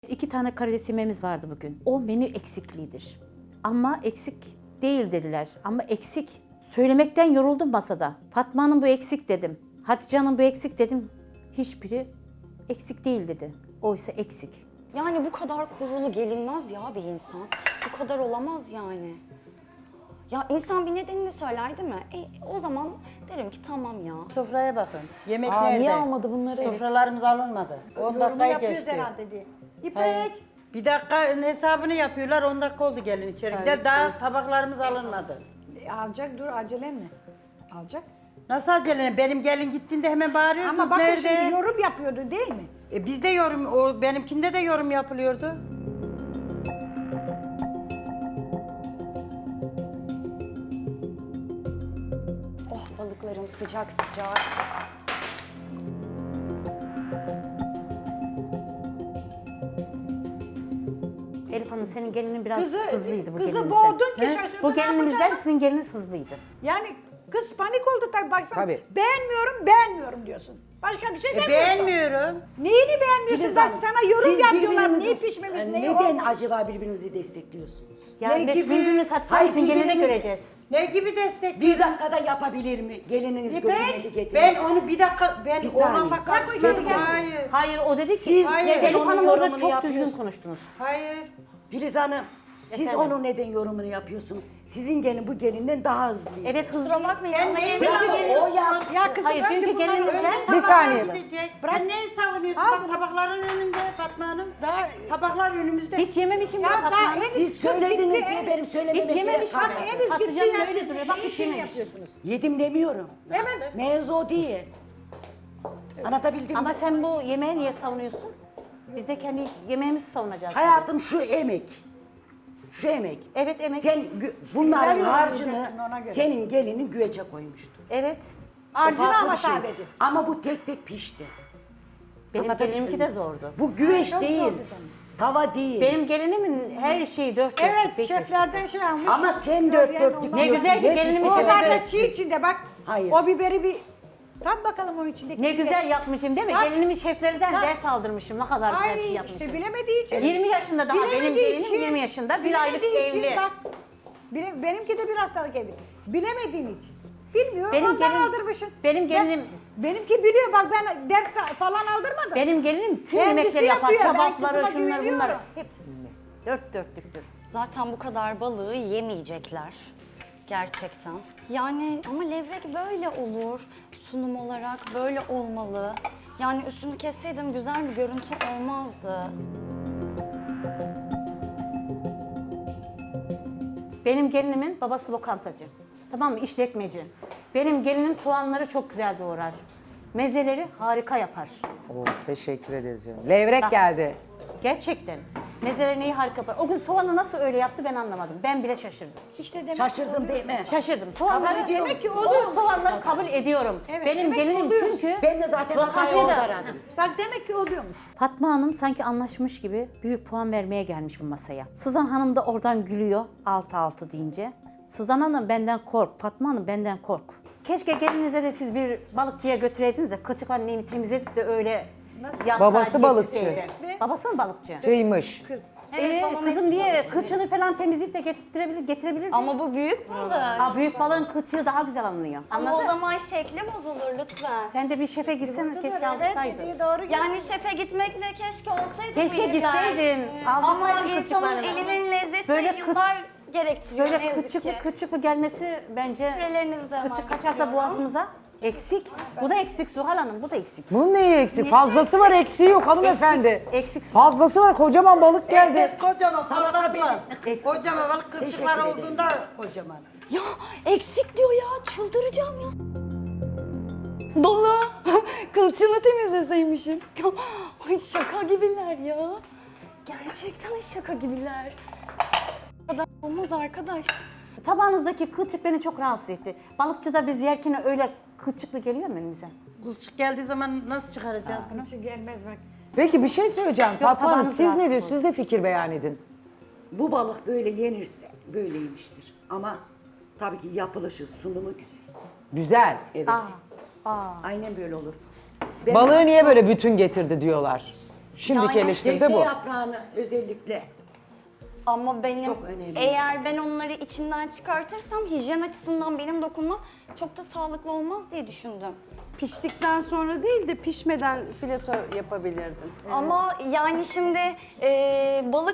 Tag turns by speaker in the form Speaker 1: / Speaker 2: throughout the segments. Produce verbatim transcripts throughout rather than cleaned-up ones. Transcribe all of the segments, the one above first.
Speaker 1: İki tane karides yemeğimiz vardı bugün. O menü eksikliğidir. Ama eksik değil dediler. Ama eksik. Söylemekten yoruldum masada. Fatma'nın bu eksik dedim. Hatice'nin bu eksik dedim. Hiçbiri eksik değil dedi. Oysa eksik.
Speaker 2: Yani bu kadar kurulu gelinmez ya bir insan. Bu kadar olamaz yani. Ya insan bir nedenini söyler değil mi? E, o zaman derim ki tamam ya.
Speaker 3: Sofraya bakın. Yemek
Speaker 2: Aa,
Speaker 3: nerede?
Speaker 2: niye almadı bunları?
Speaker 3: Sofralarımız alınmadı. on
Speaker 4: Yorumu
Speaker 3: dakikayı
Speaker 4: yapıyoruz
Speaker 3: geçti.
Speaker 4: herhalde diye. İpek.
Speaker 3: Hayır. Bir dakika hesabını yapıyorlar, on dakika oldu gelin içeri. Bir de daha tabaklarımız alınmadı.
Speaker 4: E, alacak dur acele mi? Alacak.
Speaker 3: Nasıl acele? Benim gelin gittiğinde hemen bağırıyordunuz.
Speaker 4: Ama bakın
Speaker 3: Nerede?
Speaker 4: şimdi yorum yapıyordu değil mi?
Speaker 3: E, bizde yorum, o benimkinde de yorum yapılıyordu.
Speaker 2: Oh balıklarım sıcak sıcak.
Speaker 1: Elif Hanım senin gelinin biraz
Speaker 4: Kızı-
Speaker 1: hızlıydı bu
Speaker 4: kızı
Speaker 1: gelinimizden.
Speaker 4: boğdun ki
Speaker 1: He?
Speaker 4: şaşırdı,
Speaker 1: Bu
Speaker 4: ne
Speaker 1: gelinimizden
Speaker 4: yapacağını?
Speaker 1: sizin geliniz hızlıydı.
Speaker 4: Yani kız panik oldu tabii baksana.
Speaker 5: Tabii.
Speaker 4: Beğenmiyorum, beğenmiyorum diyorsun. Başka bir şey
Speaker 3: E,
Speaker 4: demiyorsun.
Speaker 3: beğenmiyorum.
Speaker 4: Neyini beğenmiyorsun?
Speaker 6: Filiz
Speaker 4: Bak
Speaker 6: Hanım,
Speaker 4: sana yorum
Speaker 6: siz
Speaker 4: yapıyorlar.
Speaker 6: birbirinizi-
Speaker 4: Niye pişmemiş,
Speaker 6: e,
Speaker 4: neyi
Speaker 6: Neden
Speaker 4: olmamış?
Speaker 6: acaba birbirinizi destekliyorsunuz?
Speaker 1: Ya
Speaker 3: Ne
Speaker 1: biz
Speaker 3: gibi?
Speaker 1: birbirimiz Hatice
Speaker 6: Hayır,
Speaker 1: sizin gelini de
Speaker 6: birbirimiz-
Speaker 1: göreceğiz.
Speaker 3: Ne gibi destek?
Speaker 6: Bir dakikada yapabilir mi? Gelininiz
Speaker 4: İpek,
Speaker 6: götürmedi getirin.
Speaker 3: Ben onu bir dakika, ben
Speaker 6: Bir
Speaker 3: o
Speaker 6: saniye.
Speaker 3: lafa
Speaker 4: Bak,
Speaker 3: karıştırdım.
Speaker 4: gel.
Speaker 3: Hayır.
Speaker 1: Hayır o dedi ki
Speaker 6: Siz
Speaker 3: Hayır.
Speaker 6: neden
Speaker 1: Elif
Speaker 6: onun
Speaker 1: Hanım orada
Speaker 6: yorumunu
Speaker 1: çok düzgün
Speaker 6: yapıyorsunuz?
Speaker 1: konuştunuz.
Speaker 3: Hayır.
Speaker 6: Filiz Hanım, siz
Speaker 1: Efendim?
Speaker 6: onun neden yorumunu yapıyorsunuz? Sizin gelin bu gelinden daha hızlıydı.
Speaker 1: Evet hızlı.
Speaker 2: Kusura bakmayın
Speaker 3: Sen
Speaker 2: ama
Speaker 3: neyi
Speaker 2: evde-
Speaker 3: o ya?
Speaker 4: Ya kızım
Speaker 1: Hayır,
Speaker 4: önce
Speaker 1: çünkü
Speaker 4: bunları
Speaker 1: gelinimizden-
Speaker 4: öyle
Speaker 5: Bir saniye.
Speaker 3: Gidecek. Sen neyi savunuyorsun?
Speaker 4: Al
Speaker 3: Bak
Speaker 4: bunu.
Speaker 3: tabakların önünde Fatma Hanım.
Speaker 4: Daha...
Speaker 3: Tabaklar önümüzde.
Speaker 1: Hiç yememişim
Speaker 4: Ya
Speaker 1: ya
Speaker 4: daha
Speaker 1: Fatma Hanım.
Speaker 4: henüz
Speaker 6: Siz
Speaker 4: kız
Speaker 6: söylediniz
Speaker 4: gitti,
Speaker 6: diye
Speaker 4: henüz-
Speaker 6: benim söylememe
Speaker 1: Hiç
Speaker 6: gerek
Speaker 1: yememiş
Speaker 6: kalmadı.
Speaker 1: bak.
Speaker 4: Henüz
Speaker 1: Hatice
Speaker 4: gittiler
Speaker 1: Hanım öyle
Speaker 4: siz
Speaker 1: duruyor. Bak hiç
Speaker 4: şey
Speaker 1: yememiş.
Speaker 4: yapıyorsunuz.
Speaker 6: Yedim demiyorum.
Speaker 4: Hemen.
Speaker 6: Mevzu o değil. Anlatabildim
Speaker 1: Ama
Speaker 6: mi?
Speaker 1: sen bu yemeği niye savunuyorsun? Biz de kendi yemeğimizi savunacağız.
Speaker 6: Hayatım şu emek. Şu emek.
Speaker 1: Evet, emek.
Speaker 6: Sen gü- bunların
Speaker 4: Güzel
Speaker 6: harcını
Speaker 4: yorumlayacaksın ona göre.
Speaker 6: senin gelinin güvece koymuştu.
Speaker 1: Evet.
Speaker 6: O
Speaker 4: Harcını
Speaker 6: farklı
Speaker 4: ama
Speaker 6: bir şey.
Speaker 4: sadece.
Speaker 6: Ama bu tek tek pişti.
Speaker 1: Benim
Speaker 6: Anlatabildim
Speaker 1: gelinimki
Speaker 6: mi?
Speaker 1: de zordu.
Speaker 6: Bu güveç
Speaker 4: çok
Speaker 6: değil.
Speaker 4: zordu canım.
Speaker 6: Tava değil.
Speaker 1: Benim gelinimin her şeyi dört dörtlük.
Speaker 4: Evet
Speaker 1: beş
Speaker 4: şeflerden şey almış.
Speaker 6: Ama sen dört
Speaker 4: Söyleyen
Speaker 6: dörtlük
Speaker 4: onlar.
Speaker 1: Ne
Speaker 6: diyorsun.
Speaker 1: güzel ki
Speaker 6: hepsi
Speaker 1: gelinimiz
Speaker 4: O
Speaker 1: şefe
Speaker 6: dört
Speaker 4: zaten
Speaker 6: dörtlük.
Speaker 4: çiğ içinde bak.
Speaker 6: Hayır.
Speaker 4: O biberi bir tat bakalım onun içindeki.
Speaker 1: Ne
Speaker 4: biberi.
Speaker 1: güzel yapmışım değil mi?
Speaker 4: Bak.
Speaker 1: Gelinimin şeflerinden
Speaker 4: Bak.
Speaker 1: ders aldırmışım. Ne kadar güzel
Speaker 4: Ay
Speaker 1: bir şey yapmışım.
Speaker 4: işte bilemediği için.
Speaker 1: yirmi yaşında daha benim
Speaker 4: Bilemediği
Speaker 1: gelinim
Speaker 4: için-
Speaker 1: yirmi yaşında. Bir aylık
Speaker 4: bilemediği için
Speaker 1: evli.
Speaker 4: Bak, bile, benimki de bir haftalık evli. Bilemediğin için. Bilmiyorum
Speaker 1: Benim
Speaker 4: ondan
Speaker 1: gelin-
Speaker 4: aldırmışsın.
Speaker 1: benim gelinim-
Speaker 4: Ben- benimki biliyor bak ben ders falan aldırmadım.
Speaker 1: Benim gelinim tüm
Speaker 4: Kendisi
Speaker 1: yemekleri yapar.
Speaker 4: yapıyor, ben
Speaker 1: Kebapları,
Speaker 4: kızıma
Speaker 1: şunları bunları.
Speaker 4: güveniyorum.
Speaker 1: Hepsini bilir. Dört dörtlüktür.
Speaker 2: Zaten bu kadar balığı yemeyecekler. Gerçekten. Yani ama levrek böyle olur. Sunum olarak böyle olmalı. Yani üstünü kesseydim güzel bir görüntü olmazdı.
Speaker 1: Benim gelinimin babası lokantacı. Tamam mı? İşletmeci. Benim gelinim soğanları çok güzel doğrar. Mezeleri harika yapar.
Speaker 5: Oo, teşekkür ederiz canım. Levrek
Speaker 1: Bak.
Speaker 5: geldi.
Speaker 1: Gerçekten. Mezelerini iyi harika yapar. O gün soğanı nasıl öyle yaptı ben anlamadım. Ben bile şaşırdım.
Speaker 4: İşte demek
Speaker 6: Şaşırdın değil mi?
Speaker 1: Şaşırdım. Soğanları
Speaker 6: Kabul ediyor
Speaker 4: Demek ki
Speaker 6: musun?
Speaker 4: oluyor.
Speaker 1: O soğanları kabul ediyorum.
Speaker 4: Evet,
Speaker 1: Benim
Speaker 4: demek ki
Speaker 1: gelinim
Speaker 4: oluyor.
Speaker 1: çünkü
Speaker 6: Ben de zaten hatayı
Speaker 1: lokantaya
Speaker 6: orada
Speaker 1: da-
Speaker 6: aradım.
Speaker 4: Bak demek ki oluyormuş.
Speaker 1: Fatma Hanım sanki anlaşmış gibi büyük puan vermeye gelmiş bu masaya. Suzan Hanım da oradan gülüyor altı altı deyince. Suzan Hanım benden kork, Fatma Hanım benden kork. Keşke gelinize de siz bir balıkçıya götüreydiniz de kıçık anneni temizledip de öyle yapsaydı,
Speaker 5: Babası balıkçı.
Speaker 1: getirseydi. Babası mı balıkçı?
Speaker 5: Çaymış.
Speaker 2: Evet,
Speaker 1: Ee,
Speaker 2: babam
Speaker 1: kızım
Speaker 2: eski
Speaker 1: diye
Speaker 2: balıkçı.
Speaker 1: kıçını falan temizleyip de getirebilir, getirebilir.
Speaker 2: Ama bu büyük balık.
Speaker 1: Aa, büyük balığın kıçığı daha güzel alınıyor.
Speaker 2: Ama
Speaker 1: Anladın?
Speaker 2: o zaman şekli bozulur lütfen.
Speaker 1: Sen de bir şefe gitsene keşke
Speaker 4: Evet
Speaker 1: alsaydın.
Speaker 4: dediği doğru.
Speaker 2: Yani şefe gitmekle keşke olsaydı
Speaker 1: Keşke
Speaker 2: bu işler.
Speaker 1: gitseydin.
Speaker 2: Ama
Speaker 1: alsaydın
Speaker 2: insanın
Speaker 1: kıçıklarını.
Speaker 2: elinin lezzeti
Speaker 1: Böyle kı-
Speaker 2: yıllar gerektiriyor ne
Speaker 1: Böyle
Speaker 2: yazık
Speaker 1: kıçıklı
Speaker 2: ki.
Speaker 1: kıçıklı gelmesi bence
Speaker 2: Sürelerinizde hemen
Speaker 1: kıçık kaçarsa
Speaker 2: bitiriyorum.
Speaker 1: boğazımıza eksik. Bu da eksik Zuhal Hanım, bu da eksik.
Speaker 5: Bunun neyi eksik? Fazlası var, eksiği yok hanımefendi.
Speaker 1: Eksik.
Speaker 5: Fazlası var, kocaman balık geldi.
Speaker 3: Evet, kocaman
Speaker 6: Salata
Speaker 3: salatası var.
Speaker 6: benim.
Speaker 3: Kocaman balık kırışıklar
Speaker 6: Teşekkür ederim.
Speaker 3: olduğunda kocaman.
Speaker 2: Ya eksik diyor ya çıldıracağım ya. Balığı kılçığını temizleseymişim. Ay şaka gibiler ya. Gerçekten şaka gibiler. Bu kadar olmaz arkadaş.
Speaker 1: Tabağınızdaki kılçık beni çok rahatsız etti. Balıkçıda biz yerken öyle kılçıklı geliyor mu önümüze?
Speaker 3: Kılçık geldiği zaman nasıl çıkaracağız bunu?
Speaker 4: Hiç gelmez bak.
Speaker 5: Peki bir şey söyleyeceğim Fatma Hanım.
Speaker 1: tabağınız
Speaker 5: Siz ne
Speaker 1: rahatsız
Speaker 5: diyorsunuz? Siz de fikir beyan edin.
Speaker 6: Bu balık böyle yenirse böyleymiştir. Ama tabii ki yapılışı, sunumu güzel.
Speaker 5: Güzel.
Speaker 6: Evet.
Speaker 1: Aa,
Speaker 6: Aynen böyle olur. Ben
Speaker 5: Balığı niye böyle bütün getirdi diyorlar. Şimdiki
Speaker 2: Yani
Speaker 5: eleştiri de
Speaker 6: Defne
Speaker 5: bu.
Speaker 6: yaprağını özellikle.
Speaker 2: Ama benim
Speaker 6: Çok önemli.
Speaker 2: eğer ben onları içinden çıkartırsam hijyen açısından benim dokunmam çok da sağlıklı olmaz diye düşündüm.
Speaker 7: Piştikten sonra değil de pişmeden fileto yapabilirdin.
Speaker 2: Ama yani şimdi e, balık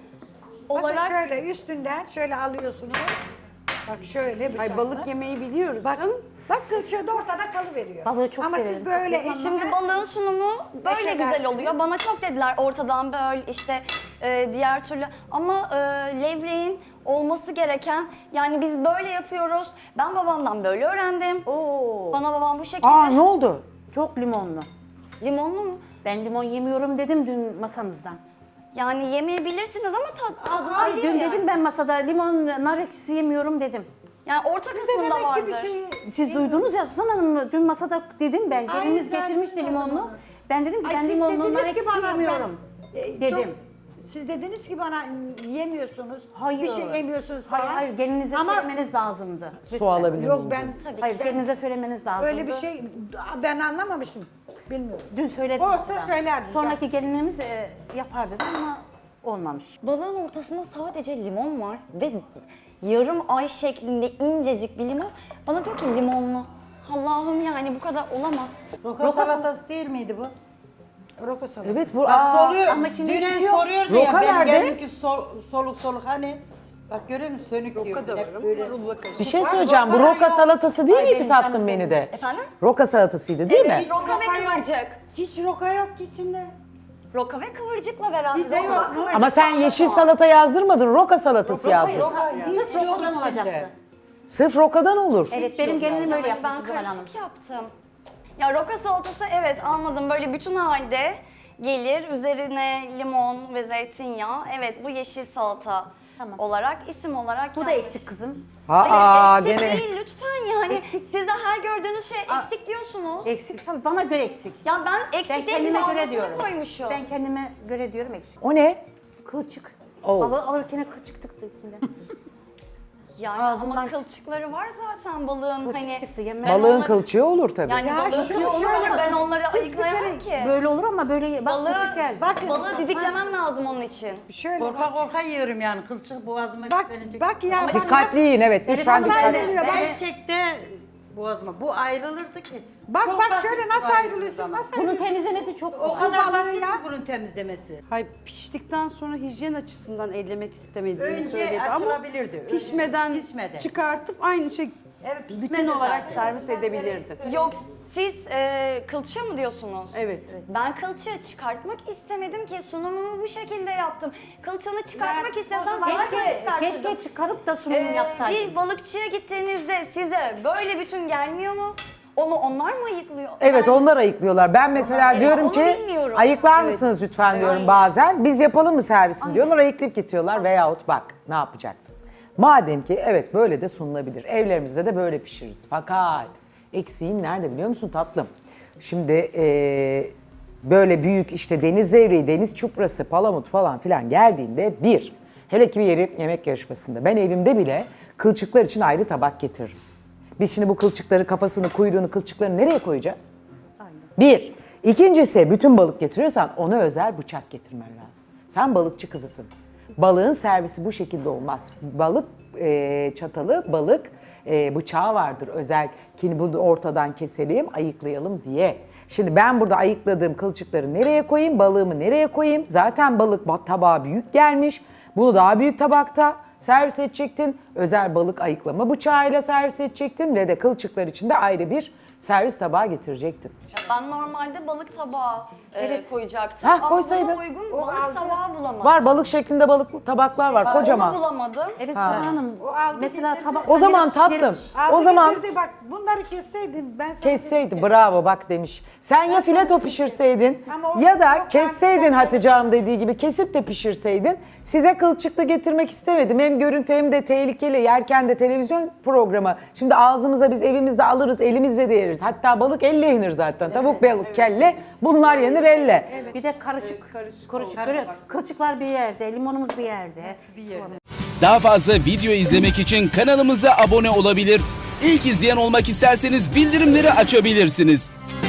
Speaker 4: Bakın
Speaker 2: olarak
Speaker 4: şöyle üstünden şöyle alıyorsunuz. Bak şöyle bıçakla.
Speaker 7: Ay balık yemeyi biliyoruz
Speaker 4: Bak,
Speaker 7: canım.
Speaker 4: bak kılçığı ortada kalıveriyor.
Speaker 1: Balığı çok
Speaker 4: Ama
Speaker 1: severim.
Speaker 4: siz böyle
Speaker 2: şimdi balığın sunumu böyle
Speaker 4: Beşe
Speaker 2: güzel oluyor.
Speaker 4: versiniz.
Speaker 2: Bana çok dediler ortadan böyle işte e, diğer türlü ama e, levreğin olması gereken yani biz böyle yapıyoruz. Ben babamdan böyle öğrendim.
Speaker 1: Oo.
Speaker 2: Bana babam bu şekilde
Speaker 5: Aa ne oldu?
Speaker 1: Çok limonlu.
Speaker 2: limonlu mu?
Speaker 1: Ben limon yemiyorum dedim dün masamızdan.
Speaker 2: Yani yemeyebilirsiniz ama tad, tadı
Speaker 1: Ay
Speaker 2: var
Speaker 1: dün
Speaker 2: yani.
Speaker 1: dedim ben masada limon, nar ekşisi yemiyorum dedim.
Speaker 2: Yani orta
Speaker 4: Size
Speaker 2: kısmında
Speaker 4: demek ki bir
Speaker 2: vardır.
Speaker 4: şey...
Speaker 1: Siz duydunuz ya Suzan Hanım dün masada dedim ben.
Speaker 4: Hayır,
Speaker 1: Geliniz
Speaker 4: ben
Speaker 1: getirmişti
Speaker 4: duymadım
Speaker 1: limonlu.
Speaker 4: onu.
Speaker 1: Ben dedim ki
Speaker 4: Ay
Speaker 1: ben
Speaker 4: siz
Speaker 1: limonlu nar
Speaker 4: dediniz ki
Speaker 1: ekşisi
Speaker 4: bana
Speaker 1: yemiyorum.
Speaker 4: ben, e,
Speaker 1: dedim.
Speaker 4: çok- siz dediniz ki bana yemiyorsunuz.
Speaker 1: Hayır.
Speaker 4: Bir şey yemiyorsunuz falan.
Speaker 1: Hayır hayır gelinize
Speaker 4: Ama
Speaker 1: söylemeniz lazımdı.
Speaker 5: Su alabilir
Speaker 4: yok
Speaker 5: miyim?
Speaker 4: ben
Speaker 2: Tabii
Speaker 1: Hayır
Speaker 2: ki.
Speaker 1: gelinize söylemeniz lazımdı.
Speaker 4: öyle bir şey ben anlamamıştım. Bilmiyorum.
Speaker 1: Dün söyledim.
Speaker 4: Olsa
Speaker 1: hatta.
Speaker 4: söylerdim.
Speaker 1: Sonraki gelinimiz e, yapar dedi ama olmamış.
Speaker 2: Balığın ortasında sadece limon var ve yarım ay şeklinde incecik bir limon. Bana diyor ki limonlu. Allah'ım yani bu kadar olamaz.
Speaker 3: Roka salatası değil miydi bu?
Speaker 4: Roko salatası.
Speaker 5: Evet bu
Speaker 3: Bak
Speaker 5: aa,
Speaker 3: soluyor.
Speaker 1: ama içinde hiçbir
Speaker 3: Dünen
Speaker 1: şey yok.
Speaker 3: soruyordu ya.
Speaker 5: Roka
Speaker 3: Benim
Speaker 5: nerede?
Speaker 3: gelinki sol, soluk soluk hani. Bak görüyor musun? Sönük diyor.
Speaker 7: Roka da
Speaker 3: Hep
Speaker 7: var
Speaker 3: böyle.
Speaker 7: ama rulla karışık.
Speaker 5: bir şey söyleyeceğim. Bu roka salatası değil miydi tatlım menüde?
Speaker 2: Efendim?
Speaker 5: Roka salatasıydı değil mi?
Speaker 2: Roka ve kıvırcık.
Speaker 3: Hiç roka yok ki içinde.
Speaker 2: Roka ve kıvırcıkla beraber.
Speaker 3: Sizde yok.
Speaker 2: Roka, kıvırcık,
Speaker 5: Ama sen yeşil
Speaker 2: salata.
Speaker 5: salata yazdırmadın. Roka salatası yazdın.
Speaker 3: Roka hiç
Speaker 1: Sırf
Speaker 3: yok
Speaker 1: rokadan
Speaker 3: içinde.
Speaker 1: olacaktı.
Speaker 5: Sırf rokadan olur.
Speaker 1: Evet benim gelinim öyle
Speaker 2: Yani
Speaker 1: yaptı
Speaker 2: ben
Speaker 1: Zuhal Hanım.
Speaker 2: karışık yaptım. Ya roka salatası evet anladım böyle bütün halde gelir. Üzerine limon ve zeytinyağı. Evet bu yeşil salata
Speaker 1: Tamam.
Speaker 2: olarak isim olarak
Speaker 1: Bu da
Speaker 2: yanlış.
Speaker 1: eksik kızım.
Speaker 2: Hayır,
Speaker 5: Aa
Speaker 2: eksik
Speaker 5: gene.
Speaker 2: değil lütfen yani. Siz de her gördüğünüz şey eksik diyorsunuz.
Speaker 1: Eksik. Tabii bana göre eksik.
Speaker 2: Ya ben eksik
Speaker 1: Ben
Speaker 2: değil
Speaker 1: kendime göre
Speaker 2: fazlasını
Speaker 1: diyorum.
Speaker 2: koymuşum.
Speaker 1: Ben kendime göre diyorum eksik.
Speaker 5: O ne?
Speaker 1: Kılçık.
Speaker 5: Oo.
Speaker 1: Balığı alırken kılçık çıktı içinden.
Speaker 2: Yani
Speaker 1: Ağzından-
Speaker 2: ama kılçıkları var zaten balığın
Speaker 1: Kılçık
Speaker 2: hani.
Speaker 1: çıktı, yemem.
Speaker 2: ben
Speaker 5: Balığın
Speaker 2: onları-
Speaker 5: kılçığı olur tabii.
Speaker 2: Yani
Speaker 4: Ya
Speaker 2: balığın
Speaker 4: şöyle
Speaker 2: kılçığı olur
Speaker 4: şöyle
Speaker 2: ben
Speaker 4: bakın.
Speaker 2: onları
Speaker 4: Siz bir
Speaker 2: ayıklayamam
Speaker 4: kere
Speaker 2: ki.
Speaker 1: Böyle olur ama böyle bak
Speaker 2: Balığı,
Speaker 1: kılçık geldi.
Speaker 4: Bakın.
Speaker 2: balığı didiklemem lazım onun için.
Speaker 4: Şöyle
Speaker 3: Korka
Speaker 4: bak.
Speaker 3: korka yiyorum yani. Kılçık boğazıma
Speaker 4: Bak,
Speaker 3: kilitlenecek.
Speaker 4: bak ya. bak
Speaker 5: Dikkatli yiyin evet. Lütfen
Speaker 4: nasıl
Speaker 5: dikkat.
Speaker 4: ayrılıyor? Bak,
Speaker 3: Gerçekte boğazıma. Bu ayrılırdı ki.
Speaker 4: bak,
Speaker 3: Çok
Speaker 4: bak
Speaker 3: basit
Speaker 4: şöyle
Speaker 3: bu
Speaker 4: nasıl
Speaker 3: ayrıldığı
Speaker 4: ayrılıyorsun?
Speaker 3: zaman.
Speaker 4: Nasıl
Speaker 1: Bunun
Speaker 4: ayrılıyorsun?
Speaker 1: temizlemesi çok
Speaker 3: O
Speaker 1: kolay.
Speaker 3: kadar
Speaker 4: balığı
Speaker 3: basit
Speaker 4: ya.
Speaker 3: mi bunun temizlemesi?
Speaker 7: Hay piştikten sonra hijyen açısından ellemek istemediğini
Speaker 3: Önce
Speaker 7: söyledi ama
Speaker 3: açılabilirdi. Önce
Speaker 7: pişmeden
Speaker 3: pişmeden.
Speaker 7: çıkartıp aynı şey
Speaker 3: Evet,
Speaker 7: bütün
Speaker 3: pişmedi
Speaker 7: olarak
Speaker 3: zaten.
Speaker 7: servis edebilirdin.
Speaker 2: Yok siz e, kılçığı mı diyorsunuz?
Speaker 7: Evet.
Speaker 2: Ben kılçığı çıkartmak istemedim ki sunumumu bu şekilde yaptım. Kılçığını çıkartmak
Speaker 4: Ben-
Speaker 2: istesem
Speaker 4: o zaman
Speaker 2: zaten
Speaker 1: Keşke,
Speaker 2: çıkartırdım.
Speaker 1: keşke çıkarıp da sunum
Speaker 2: Ee,
Speaker 1: yapsaydım.
Speaker 2: bir balıkçıya gittiğinizde size böyle bütün gelmiyor mu? Onu onlar mı ayıklıyor?
Speaker 5: Evet
Speaker 2: Ben-
Speaker 5: onlar ayıklıyorlar. Ben mesela
Speaker 2: Evet,
Speaker 5: diyorum
Speaker 2: onu
Speaker 5: ki
Speaker 2: bilmiyorum.
Speaker 5: ayıklar mısınız lütfen diyorum bazen. Biz yapalım mı servisini diyorlar ayıklayıp getiriyorlar veyahut bak ne yapacaktım. Madem ki evet böyle de sunulabilir. Evlerimizde de böyle pişiririz. Fakat eksiğin nerede biliyor musun tatlım? Şimdi eee, böyle büyük işte deniz zevreği, deniz çuprası, palamut falan filan geldiğinde bir, hele ki bir yeri yemek yarışmasında ben evimde bile kılçıklar için ayrı tabak getiririm. Biz şimdi bu kılçıkları, kafasını, kuyruğunu, kılçıklarını nereye koyacağız? Bir. İkincisi bütün balık getiriyorsan ona özel bıçak getirmen lazım. Sen balıkçı kızısın. Balığın servisi bu şekilde olmaz. Balık e, çatalı, balık e, bıçağı vardır özel. Ki bunu ortadan keselim, ayıklayalım diye. Şimdi ben burada ayıkladığım kılçıkları nereye koyayım, balığımı nereye koyayım? Zaten balık ba- tabağa büyük gelmiş. Bunu daha büyük tabakta servis edecektin. Özel balık ayıklama bıçağıyla servis edecektin ve de kılçıklar için de ayrı bir servis tabağı getirecektin.
Speaker 2: Ben normalde balık tabağı e, koyacaktım.
Speaker 5: Hah,
Speaker 2: Ama
Speaker 5: koysaydın.
Speaker 2: buna uygun balık tabağı bulamadım.
Speaker 5: Var balık şeklinde balık tabaklar var
Speaker 2: Onu
Speaker 5: kocaman.
Speaker 2: bulamadım.
Speaker 1: Evet Zuhal Hanım.
Speaker 4: O aldı
Speaker 1: Mesela
Speaker 4: getirdi.
Speaker 1: tabak.
Speaker 5: O zaman tatlım.
Speaker 4: Aldı
Speaker 5: O zaman
Speaker 4: getirdi, bak bunları kesseydin ben sana
Speaker 5: kesseydin bravo bak demiş. Sen ya fileto pişirseydin
Speaker 4: Ama o-
Speaker 5: ya da
Speaker 4: o-
Speaker 5: kesseydin Hatice Hanım dediği gibi kesip de pişirseydin. Size kılçıklı getirmek istemedim. Hem görüntü hem de tehlikeli yerken de televizyon programı. Şimdi ağzımıza biz evimizde alırız elimizle de yeriz. Hatta balık elle yenir zaten. Tavuk balık kelle bunlar yenir elle.
Speaker 1: Bir de karışık. Karışık. Böyle kılçıklar bir yerde, limonumuz bir yerde.
Speaker 3: Bir yerde.
Speaker 8: Daha fazla video izlemek için kanalımıza abone olabilir. İlk izleyen olmak isterseniz bildirimleri açabilirsiniz.